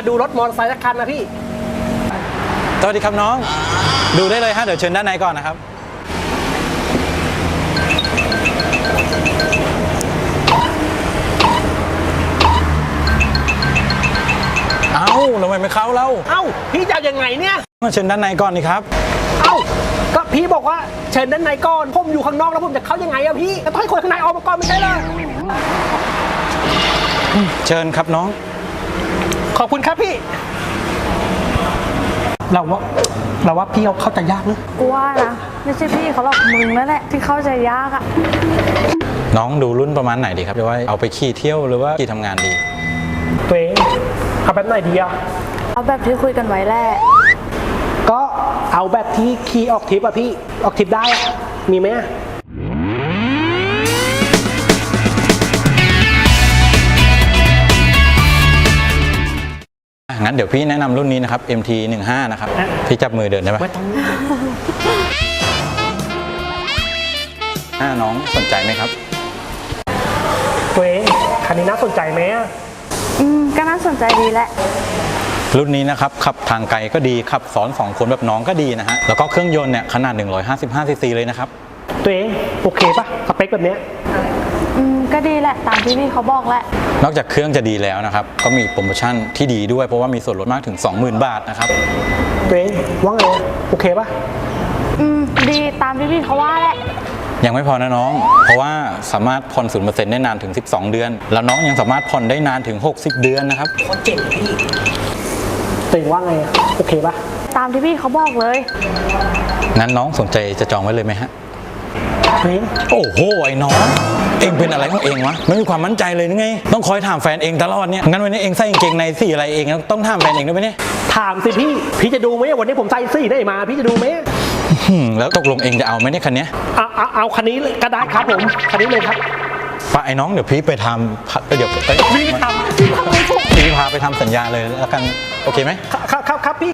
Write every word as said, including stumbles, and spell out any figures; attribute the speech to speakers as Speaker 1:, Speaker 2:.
Speaker 1: มาดูรถมอเตอร์ไซค์สักคันนะพี่
Speaker 2: สวัสดีครับน้องดูได้เลยฮะเดี๋ยวเชิญด้านในก่อนนะครับเอ้าทำไมไม่เข้าเล่า
Speaker 1: เอ้าพี่จะยังไงเนี่ย
Speaker 2: มาเชิญด้านในก่อนนี่ครับ
Speaker 1: เอ้าก็พี่บอกว่าเชิญด้านในก่อนผมอยู่ข้างนอกแล้วผมจะเข้ายังไงอะพี่ต้องให้คนข้างในออกมาก่อนไม่ใช่เหรอ
Speaker 2: เชิญครับน้อง
Speaker 1: ขอบคุณครับพี่เราว่าเราว่าพี่เขาเข้าใจยากนะ
Speaker 3: กูว่านะไม่ใช่พี่เขาหรอกมึงนั่นแหละที่เข้าใจยากอะ
Speaker 2: น้องดูรุ่นประมาณไหนดีครับจะว่าเอาไปขี่เที่ยวหรือว่าขี่ทำงานดี
Speaker 1: ตัวเองเอาแบบไหนดีอะ
Speaker 3: เอาแบบที่คุยกันไว้แหละ
Speaker 1: ก็เอาแบบที่ขี่ออกทริปอะพี่ออกทริปได้มีไหม
Speaker 2: งั้นเดี๋ยวพี่แนะนำรุ่นนี้นะครับ เอ็ม ที สิบห้า นะครับพี่จับมือเดินได้ไหมไม่ต้องน้าน้องสนใจไหมครับ
Speaker 1: ตัวเองคันนี้น่าสนใจไหม
Speaker 3: อืมก็น่าสนใจดีแหละ
Speaker 2: รุ่นนี้นะครับขับทางไกลก็ดีขับซ้อนสองคนแบบน้องก็ดีนะฮะแล้วก็เครื่องยนต์เนี่ยขนาดหนึ่งร้อยห้าสิบห้าซีซีเลยนะครับ
Speaker 1: ตัวเองโอเคปะสเปคแบบนี้
Speaker 3: อืมก็ดีแหละตามที่พี่เขาบอกแหละ
Speaker 2: นอกจากเครื่องจะดีแล้วนะครับก็มีโปรโมชั่นที่ดีด้วยเพราะว่ามีส่วนลดมากถึง สองหมื่น บาทนะครับ
Speaker 1: ตัวเองว่าไงโอเคปะ
Speaker 3: อืมดีตามที่พี่เขาว่าแหละ
Speaker 2: ยังไม่พอนะน้องเพราะว่าสามารถผ่อน ศูนย์เปอร์เซ็นต์ ได้นานถึงสิบสองเดือนแล้วน้องยังสามารถผ่อนได้นานถึงหกสิบเดือนนะครับ
Speaker 1: โคตรเจ๋งพี่ตัวเองว่าไงโอเคปะ
Speaker 3: ตามที่พี่เขาบอกเลย
Speaker 2: งั้นน้องสนใจจะจองไว้เลยไหมฮะโอ้โหไอ้น้องเองเป็นอะไรของเองวะไม่มีความมั่นใจเลยนึกไงต้องคอยถามแฟนเองตลอดเนี่ยงั้นวันนี้เองใส่กางเกงในสีอะไรเองต้องถามแฟนเองด้วยไหมเนี่ย
Speaker 1: ถามสิพี่พี่จะดูไหมวันนี้ผมใส่สีได้มาพี่จะดูไหม
Speaker 2: แล้วตกลงเองจะเอาไหมเนี่ยคันนี้
Speaker 1: เอาเอาเอาคันนี้ก็ได้ครับผมคันนี้เลยครับ
Speaker 2: ป้าไอ้น้องเดี๋ยวพี่ไปทำเดี๋ยว
Speaker 1: พี่ไปทำพี่ทำไม่ถูก
Speaker 2: พี่พาไปทำสัญญาเลยแล้วกันโอเคไหม
Speaker 1: ครับครับครับพี่